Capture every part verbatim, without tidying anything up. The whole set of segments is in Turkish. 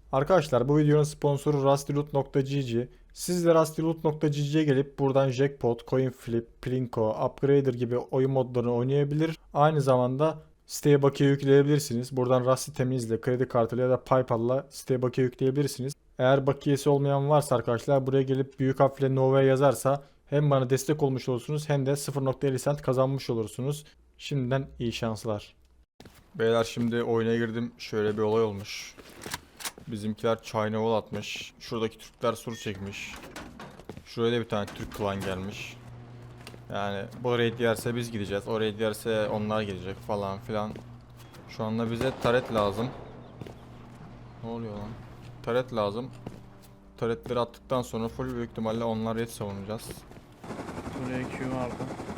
Arkadaşlar bu videonun sponsoru rustyloot nokta gg. Siz de rustyloot nokta gg'ye gelip buradan Jackpot, Coinflip, Plinko, Upgrader gibi oyun modlarını oynayabilir. Aynı zamanda siteye bakiye yükleyebilirsiniz. Buradan Rusty teminizle, kredi kartıyla ya da PayPal'la siteye bakiye yükleyebilirsiniz. Eğer bakiyesi olmayan varsa arkadaşlar buraya gelip büyük harfle Nova yazarsa hem bana destek olmuş olursunuz hem de sıfır nokta elli cent kazanmış olursunuz. Şimdiden iyi şanslar. Beyler şimdi oyuna girdim. Şöyle bir olay olmuş. Bizimkiler çayına ol atmış. Şuradaki Türkler sur çekmiş. Şuraya da bir tane Türk klan gelmiş. Yani bu raid yerse biz gideceğiz. O raid yerse onlar gelecek falan filan. Şu anda bize taret lazım. Ne oluyor lan? Taret lazım. Taretleri attıktan sonra full büyük ihtimalle onlar raid savunacağız. Buraya Q vardı.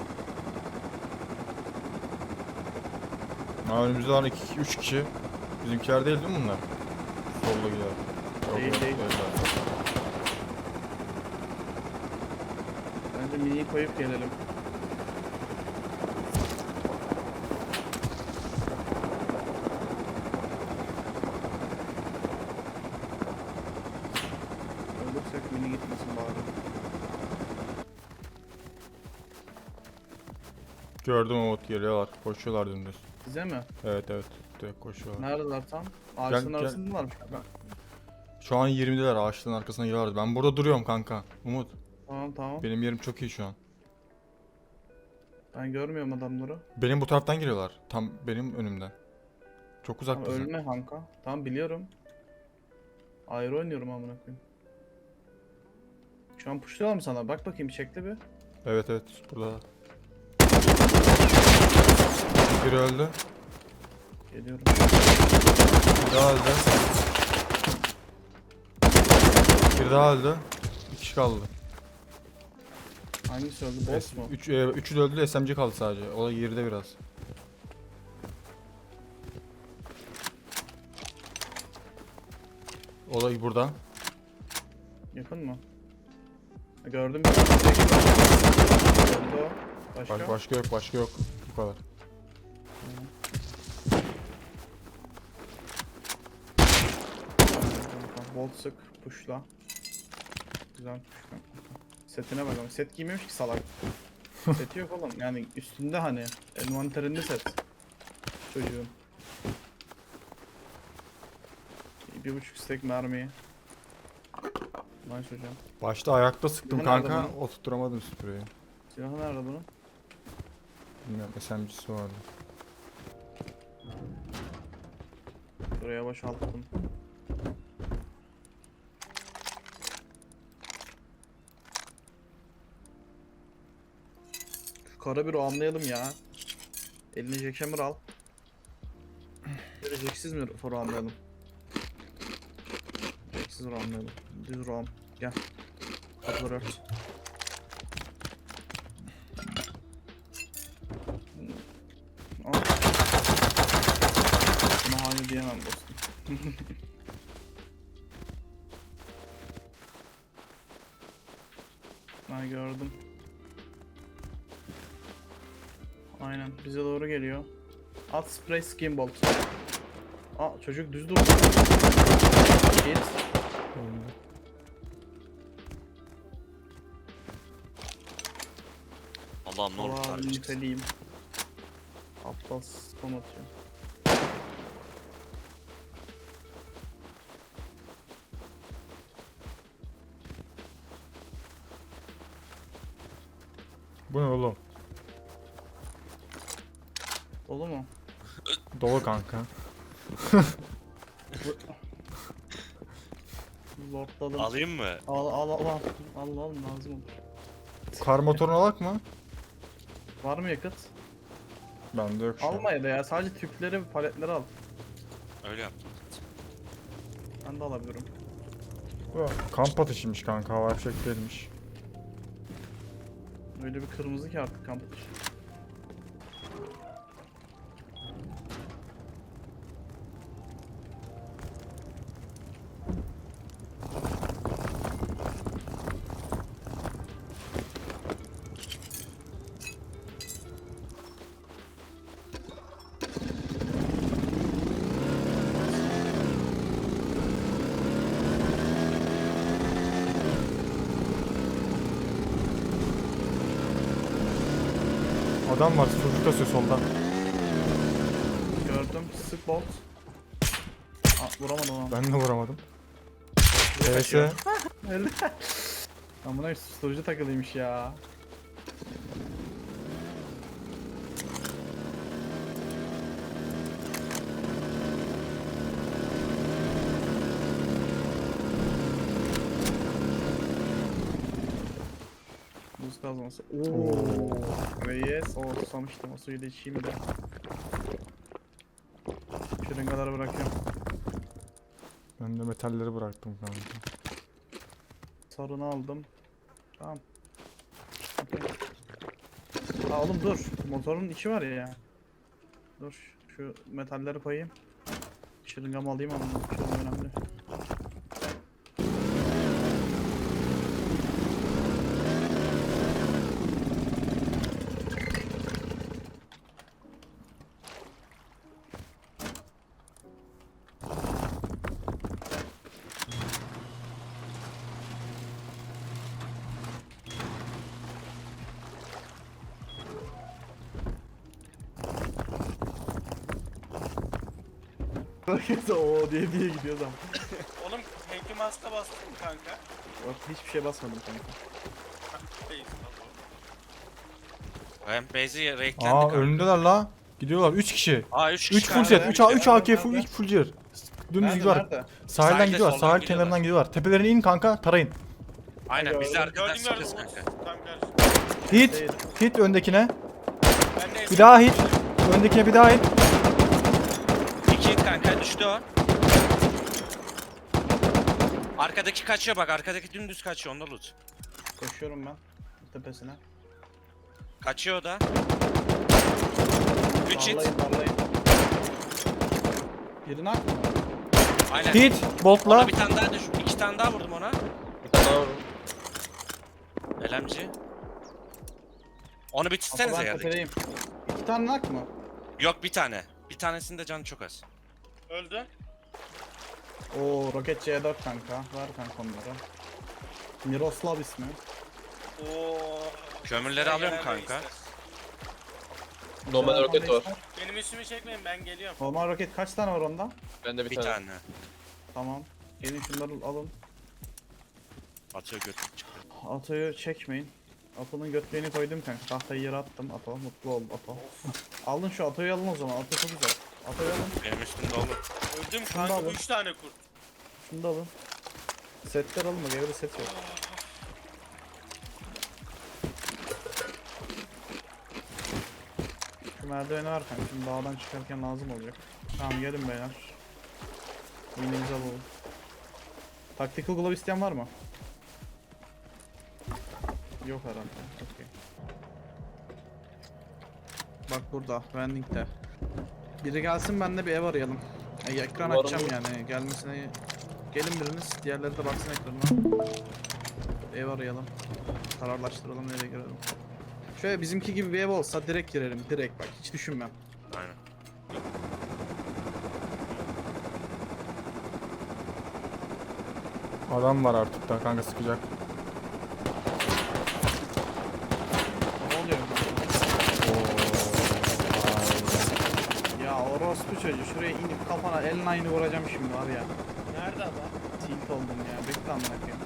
Ha, önümüzde var iki üç kişi. Bizimkiler değil değil mi bunlar? Solda gidiyor. Yok, Değil, yok, değil. değiller. Bence miniyi koyup gelelim. Ölürsek mini gitmesin bari. Gördüm Umut, geliyorlar. Koşuyorlar dümdüz. Bize mi? Evet evet. Direkt koşuyorlar. Neredeler tam? Ağaçların gel. arasındalarmış kanka. Şu an yirmideler, ağaçların arkasına geliyorlar. Ben burada duruyorum kanka. Umut. Tamam tamam. Benim yerim çok iyi şu an. Ben görmüyorum adamları. Benim bu taraftan geliyorlar. Tam benim önümden. Çok uzak Tamam, bizim. ölme kanka. Tamam biliyorum. Ayrı oynuyorum amına koyayım. Şu an pushluyorlar mı sana? Bak bakayım çekti bir. Evet evet burada. Biri öldü. Geliyorum. Bir daha öldü. Bir daha öldü. Bir kişi kaldı. Hangisi öldü? Boss mu? Üç, e, üçü de öldü de S M G kaldı sadece. O da geride biraz. O da burada. Yakın mı? Ha, gördüm. Bir tane. Öldü o. Başka? Baş, başka yok başka yok. Bu kadar. Bolt sık, pushla. Güzel pushla. Setine bak ama set giymemiş ki salak. Seti yok oğlum yani üstünde hani envanterinde set. Çocuğun. Bir buçuk stack mermi. Nice hocam. Başta ayakta sıktım Silahı nerede kanka. bunun? Oturtturamadım spreyi. Silahı nerede bunun? Bilmiyorum, S M G'si vardı. Buraya boşalttım. Şu kara bir anlayalım ya. Eline jackhammer al. Böyle jacksiz mi for anlayalım? Jacksiz anlayalım. Düz ram. Gel. Kapıları ört. Al. Buna hayır diyemem dostum. Ben gördüm. Aynen bize doğru geliyor. At spray skin bolt. Aa çocuk düz durdu. Git. Allah'ım ne olur Allah'ım tarih çıksın. niteleyim. Aptal spam atıyor. Bu ne oğlum? Dolu mu? Dolu kanka. Lordladım. Alayım mı? Al al al al. Al al lazım olur. Kar motorunu alak mı? Var mı yakıt? Bende yok şu an. Alma ya da ya sadece tüpleri ve paletleri al. Öyle yaptım. Ben de alabilirim. Bu kamp ateşiymiş kanka, hava fişek değilmiş. Öyle bir kırmızı ki artık kamp. Adam var. Çocuk kasıyor soldan. Gördüm. Sık bolt. Aa, vuramadım onu. Ben de vuramadım. T S. kaçıyor. Öyle. Amına susturucu takılıymış ya. Buz kazması. Oo. Reis. O susamıştım. O suyu da içeyim de. Şırıngaları bırakıyorum. Ben de metalleri bıraktım kanka. Sarını aldım. Tamam. Okey. Aa oğlum dur. Motorun içi var ya. Dur. Şu metalleri koyayım. Şırıngamı alayım ama şırınga önemli. Herkes o diye diye gidiyor adam. Oğlum Hanky Mask'a bastın mı kanka? Bak hiçbir şey basmadım kanka. Değil. Ben base'i raidlendi Aa kanka. önündeler la. Gidiyorlar üç kişi. Aa üç kişi üç full kanka. set. üç A üç A K full Nerede? üç full clear. Dümdüz Nerede gidiyorlar. nerede? Sahilden Sahilde, gidiyorlar. soldan Sahil gidiyorlar. kenarından gidiyorlar. Tepelerine in kanka. Tarayın. Aynen biz de arkadan Gördüm gördüm. sıkıyoruz kanka. Tam karşı. Hit. Değil. Hit öndekine. Ben de Bir daha hit. Öndekine bir daha hit. İki hit kanka düştü o. Arkadaki kaçıyor bak, arkadaki dümdüz kaçıyor, onda loot. Koşuyorum ben tepesine. Kaçıyor o da. üç hit. Darlayın darlayın. Birini atma. Aynen. Hit. Ona Boltla. bir tane daha düş. iki tane daha vurdum ona. Bir tane daha vurun. Elemci. Onu bitirsenize Atadan yerdeki. tepedeyim. İki tane nak mı? Yok bir tane. Bir tanesinde canı çok az. öldü. Oo roket C dört kanka. Var kanka onları. Miroslav ismi. Oo. Kömürleri Sen alıyorum genelde kanka. istersin. Normal Güzel, roket normal var. ister. Benim üstümü çekmeyin, ben geliyorum. Normal roket kaç tane var onda? Bende bir, Bir tane. tane. Tamam. Gelin şunları alın. Atıyor götür çıktı. Atoyu çekmeyin. Ato'nun götlerini koydum kanka. Tahtayı yere attım. Ato mutlu ol Ato. Aldın şu Ato'yu alın o zaman. Ato çok güzel. Ato'yu alın. Benim üstümde olur. Öldüm Şunu da kanka, alın. üç tane kurt. Şunu da alın. Setler alın mı? Gevre set yok. Şu merdiveni var kanka. Şimdi dağdan çıkarken lazım olacak. Tamam gelin beyler. Minimizi alalım. Tactical glove isteyen var mı? Yok herhalde. Okey. Bak burada. Vending'de. Biri gelsin, ben de bir ev arayalım. E, ekran Umarım açacağım olur. yani. Gelmesine gelin biriniz. Diğerleri de baksın ekranına. Ev arayalım. Kararlaştıralım, nereye girelim. Şöyle bizimki gibi bir ev olsa direkt girelim. Direkt bak, hiç düşünmem. Aynen. Adam var artık da kanka sıkacak. Ne oluyor? Oo. Ya orospu çocuğu, şuraya inip kafana elin aynı vuracağım şimdi var ya. Nerede adam? Tilt oldum ya. Bekle amına koyayım.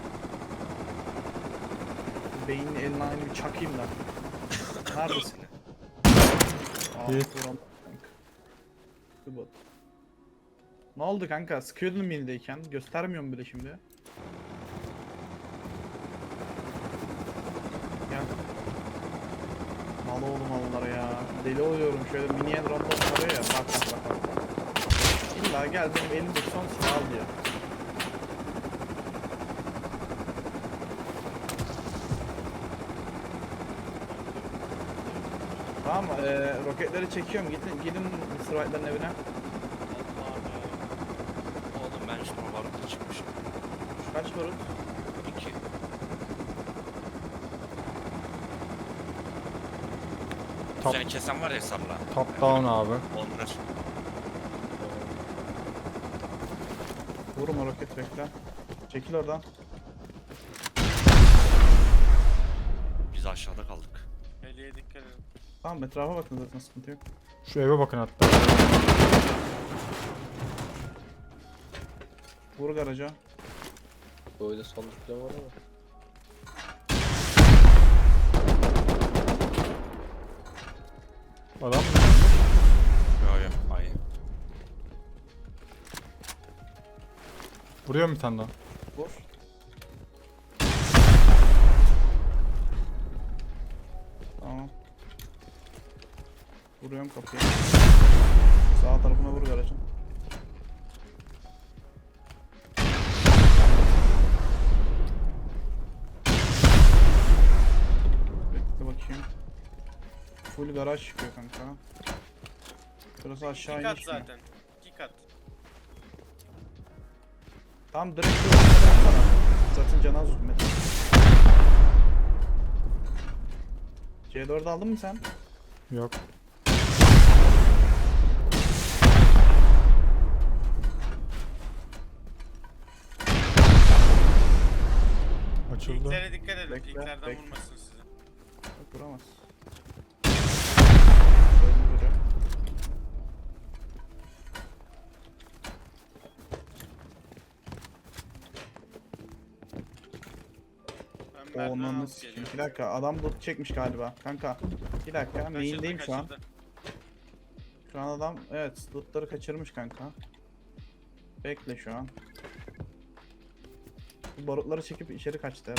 Beynini eline aynı bir çakayım da. Neredesin? Aa, İyi. vuram kanka. Bu bot. Ne oldu kanka? Sıkıyordun mildeyken. Göstermiyorum bile şimdi. Gel. Mal oğlum mallara ya. Deli oluyorum. Şöyle miniye random arıyor ya. Bak bak bak. bak. İlla gel benim elimdeki son silahı al diyor. Tamam mı? Ee, roketleri çekiyorum. Gidin, gidin mister White'ların evine. Allah'ım ya. Oğlum ben üstüme barutla çıkmışım. Kaç barut? İki. Top, Seni kesen var ya sabla. top down abi. Onlar. Vurma roket bekle. Çekil oradan. Biz aşağıda kaldık. Heliye dikkat edin. Tamam etrafa bakın zaten sıkıntı yok. Şu eve bakın hatta. Vur garaja. Böyle sandıklar var ama. Adam mı? Yo yo. Hayır. Vuruyor mu bir tane daha? Vur. Tamam. Vuruyorum kapıyı. Sağ tarafına vur garajın. Bekle bakayım. Full garaj çıkıyor kanka. Burası aşağı İki kat iniş mi? zaten. İki kat. Tamam direkt bir ortaya bıraksana. Zaten canı az hükmet. C dördü aldın mı sen? Yok. Açıldı. İlklere dikkat edin. Bekle, İlklerden bekle. vurmasın sizi. Yok vuramaz. Öldüreceğim. Ben merdiven Onun alıp geliyorum. bir dakika adam loot çekmiş galiba kanka. Bir dakika Kaçırdı, main'deyim şu an. kaçırdı. Şu an adam evet lootları kaçırmış kanka. Bekle şu an. Bu barutları çekip içeri kaçtı.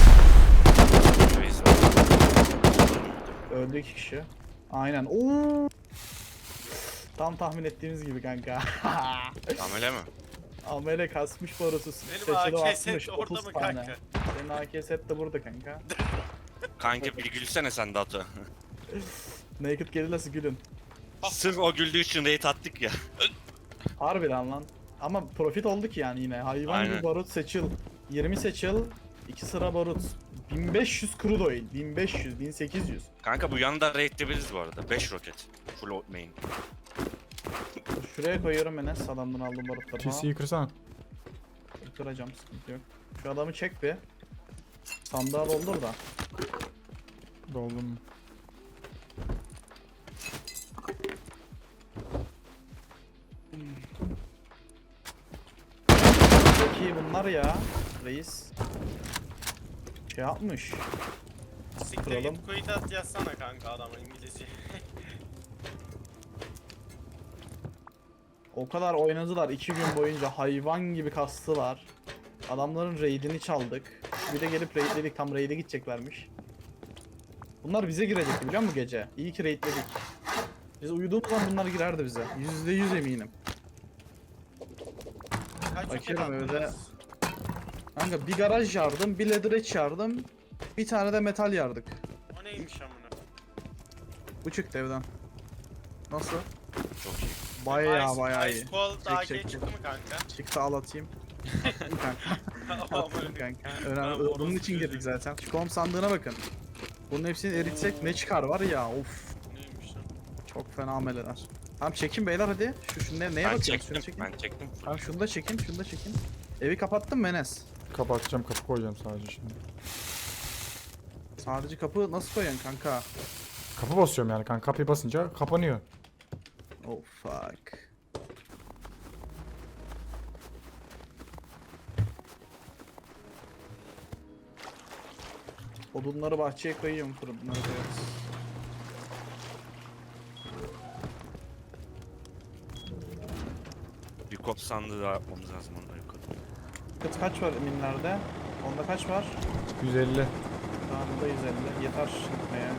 Reis. Öldü iki kişi. Aynen. Oo. Tam tahmin ettiğimiz gibi kanka. Amele mi? Amele kasmış barutu. Benim Seçili A K atmış set orada otuz mı tane. kanka? Senin A K set de burada kanka. Kanka bir gülsene sen de Atu. Naked Guerrilla'sı gülün. Sırf o güldüğü için rate attık ya. Harbiden lan. Ama profit oldu ki yani yine. Hayvan Aynen. gibi barut seçil. yirmi seçil. iki sıra barut. bin beş yüz crude oil. bin beş yüz, bin sekiz yüz. Kanka bu yanında rate'leyebiliriz bu arada. beş roket. Full main. Şuraya koyuyorum Enes. Adamdan aldığım barutları T falan. C'yi kırsana. Kıracağım sıkıntı yok. Şu adamı çek bir. Sandığa doldur da. Doldum. Çok iyi bunlar ya. Reis. Şey yapmış. Siktir Kuralım. git kuyut at yazsana kanka adama İngilizce. O kadar oynadılar iki gün boyunca hayvan gibi kastılar. Adamların raidini çaldık. Bir de gelip raidledik, tam raid'e gideceklermiş. Bunlar bize girecekti biliyor musun gece? İyi ki raidledik. Biz uyuduğumuz zaman bunlar girerdi bize. Yüzde yüz eminim. Kaç roket Bakıyorum öyle. attınız? Kanka bir garaj yardım, bir leatherette yardım, bir tane de metal yardık. O neymiş amına? Bu çıktı evden. Nasıl? Çok iyi. Bayağı Ice- bayağı Ice iyi. Cold Çek, A K çek, çek. çıktı mı kanka? Çıktı al atayım. Attım kanka. Attım kanka. Önemli. Ben Bunun orospu için girdik çocuğum. zaten. Şu kom sandığına bakın. Bunun hepsini eritsek ne çıkar var ya of. Neymiş lan? Çok fena ameleler. Tamam çekin beyler hadi. Şu, şu ne, neye Ben bakıyorsun? çektim. Şunu çekin. Ben çektim. Tamam şunu da çekin, şunu da çekin. Evi kapattın mı Enes? Kapatacağım, kapı koyacağım sadece şimdi. Sadece kapı nasıl koyuyorsun kanka? Kapı basıyorum yani kanka. Kapıyı basınca kapanıyor. Oh fuck. Odunları bahçeye koyuyorum, fırınları koyarız. Bir kop sandığı daha yapmamız lazım ondan yukarı. Kıt kaç var minlerde? Onda kaç var? yüz elli. Tamam da yüz elli. Yeter gitmeye.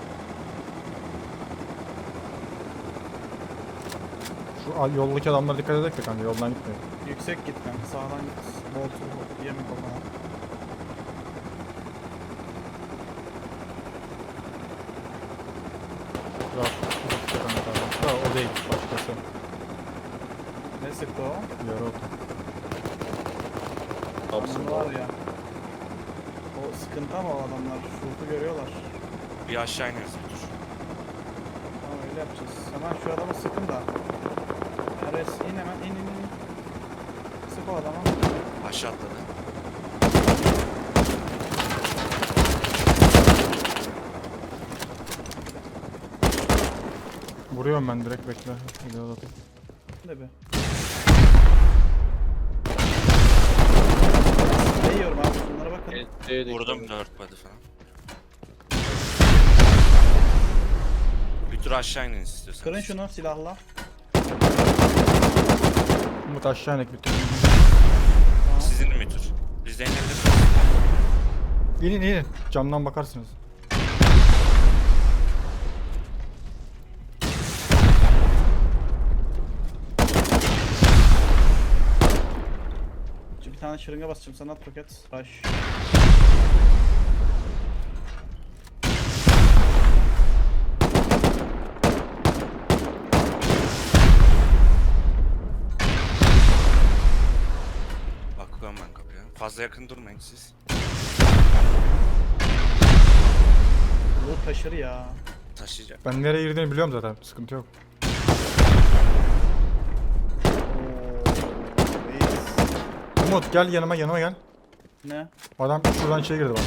Şu al- yoldaki adamlara dikkat edek de kanka, yoldan gitmeyin. Yüksek git kanka. Sağdan git. Boltu yeme kafana. Rahat uzakta kanka adam. Da o değil, başkası. Ne sıktı o? Yarı otu. Thompson Bunlar var ya. O sıkıntı ama o adamlar. Şurtu görüyorlar. Bir aşağı ineriz bir tur. Tamam öyle yapacağız. Hemen şu adamı sıkın da. Eres in hemen in in in. Sık o adama. Aşağı atladı. Vuruyorum ben direkt bekle. Reload atayım. Ne be? Ne yiyorum abi? Bunlara bakın. Evet, evet, Vurdum evet. dört body falan. Bir tur aşağı inin istiyorsanız. Kırın şunu silahla. Umut aşağı inek bir türlü. Tamam. Sizin mi tur? Biz de inebiliriz. İnin inin. Camdan bakarsınız. Şu bir tane şırınga basacağım sana at roket. Rush. Bakıyorum ben kapıya. Fazla yakın durmayın siz. Bu taşır ya. Taşıyacak. Ben nereye girdiğini biliyorum zaten. Sıkıntı yok. Oo, reis. Umut gel yanıma yanıma gel. Ne? Adam şuradan içeri girdi bak.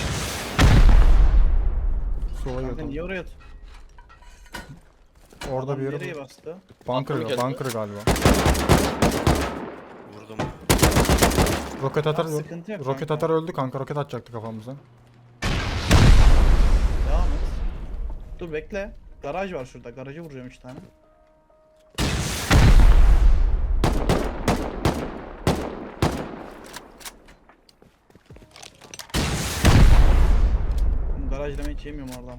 Sola Kanka girdi. niye oraya at? Orada bir Adam yere. nereye bastı? Bunker, Atladı kendini. bunker galiba. Vurdum. Roket atar, Tamam, sıkıntı yok roket kanka. atar öldü kanka. Roket atacaktı kafamıza. Devam et. Dur bekle. Garaj var şurada. Garajı vuracağım üç tane. Oğlum, garaj demeyi hiç yemiyorum oradan.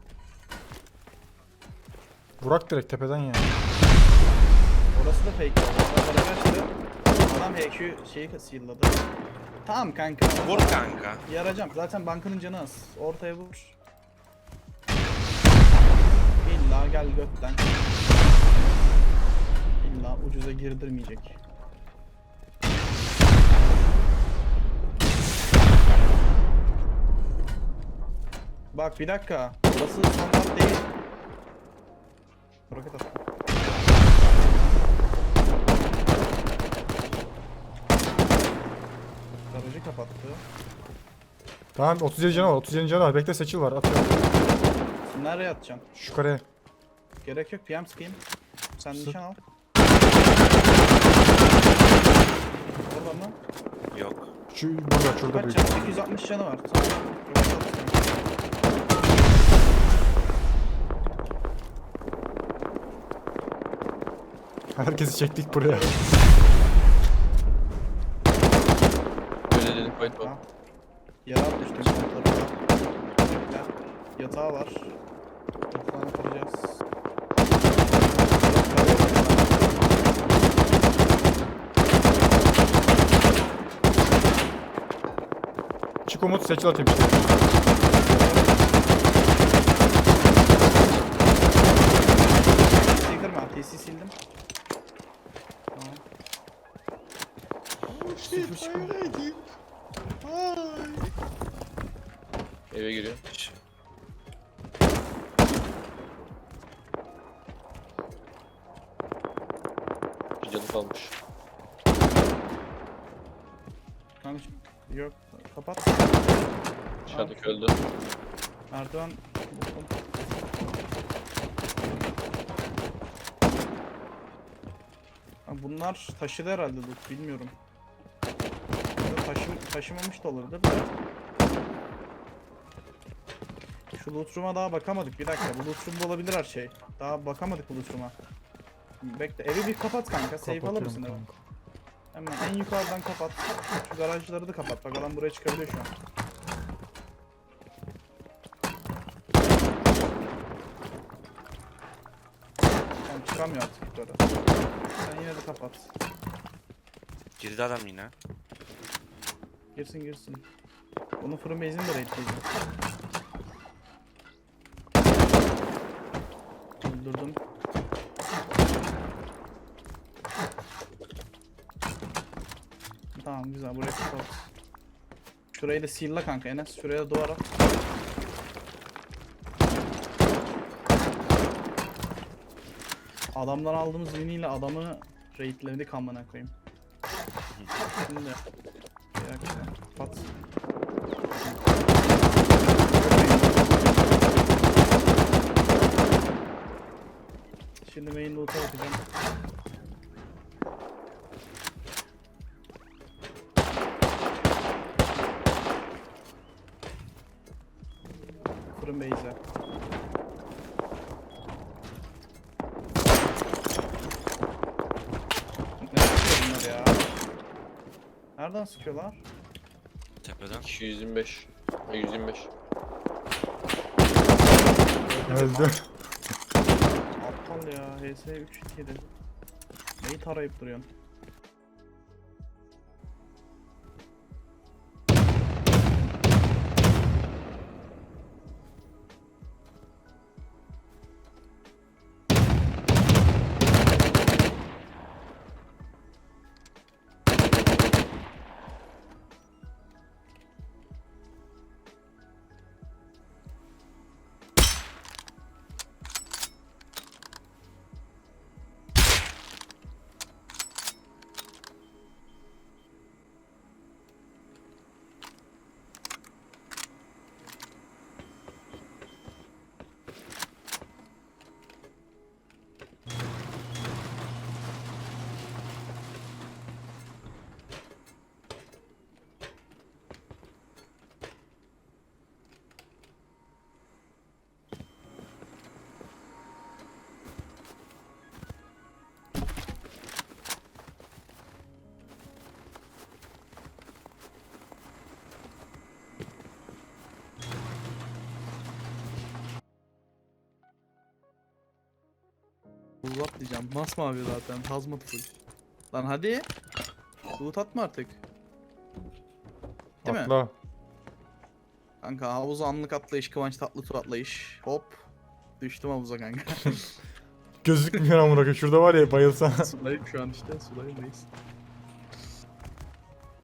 Vurak direkt tepeden ya. Orası da fake. Orada garaj açtı. Adam H Q şeyi seal'ladı. Tamam kanka. Vur kanka. Yaracağım. Zaten bankanın canı az. Ortaya vur. İlla gel götten. İlla ucuza girdirmeyecek. Bak bir dakika. Burası standart değil. Roket at. Garajı kapattı. Tamam otuz yedi canı var. otuz yedi canı var. Bekle seçil var. Atıyorum. Nereye atacaksın? Şu kareye. Gerek yok. P M sıkayım. Sen Sık. nişan al. Orada mı? Yok. Şu burada şurada Kaç büyük. canı? sekiz yüz altmış canı var. Tamam. Roket at. Herkesi çektik buraya. Öyle dedim fight var. Ha. Yere atmıştım kontları. Ya, yatağı var. Yatağını kıracağız. Çık Umut seçil atayım işte. T C'yi kırma. T C sildim. Tamam. Sıfır çıkıyor. Eve giriyor. Bir canı kalmış. Kanka yok. Kapat. Dışarıdaki öldü. Merdiven buldum. Ha, bunlar taşıdı herhalde loot bilmiyorum. Ya da Taşım, taşımamış da olabilir de. Şu loot room'a daha bakamadık bir dakika. Bu loot room'da olabilir her şey. Daha bakamadık bu loot room'a. Bekle evi bir kapat kanka. Safe alır Kapatıyorum mısın evi? kanka. Hemen en yukarıdan kapat. Şu garajları da kapat. Bak adam buraya çıkabiliyor şu an. Tamam çıkamıyor artık yukarı. Sen yine de kapat. Girdi adam yine. Girsin girsin. Onun fırın base'ini de raidleyeceğim. Öldürdüm. Tamam güzel buraya kapat. Şurayı da seal'la kanka Enes. Şuraya da duvar at. Adamdan aldığımız winiyle adamı raidledik amına koyayım. Şimdi bir dakika kapat. Şimdi main loot'a bakacağım. Fırın base'e. Ne sıkıyor bunlar ya? Nereden sıkıyorlar? Tepeden. iki yüz yirmi beş. Ha, yüz yirmi beş. Öldü. Aptal ya. H S üç iki yedi. Neyi tarayıp duruyorsun? Uzat diyeceğim. Masmavi zaten. Hazmat full. Lan hadi. Loot atma artık. Değil mi? Atla. Kanka havuza anlık atlayış, Kıvanç Tatlıtuğ atlayış. Hop. Düştüm havuza kanka. Gözükmüyor amına koyayım. Şurada var ya bayılsan. Sudayım şu an işte. Sudayım reis.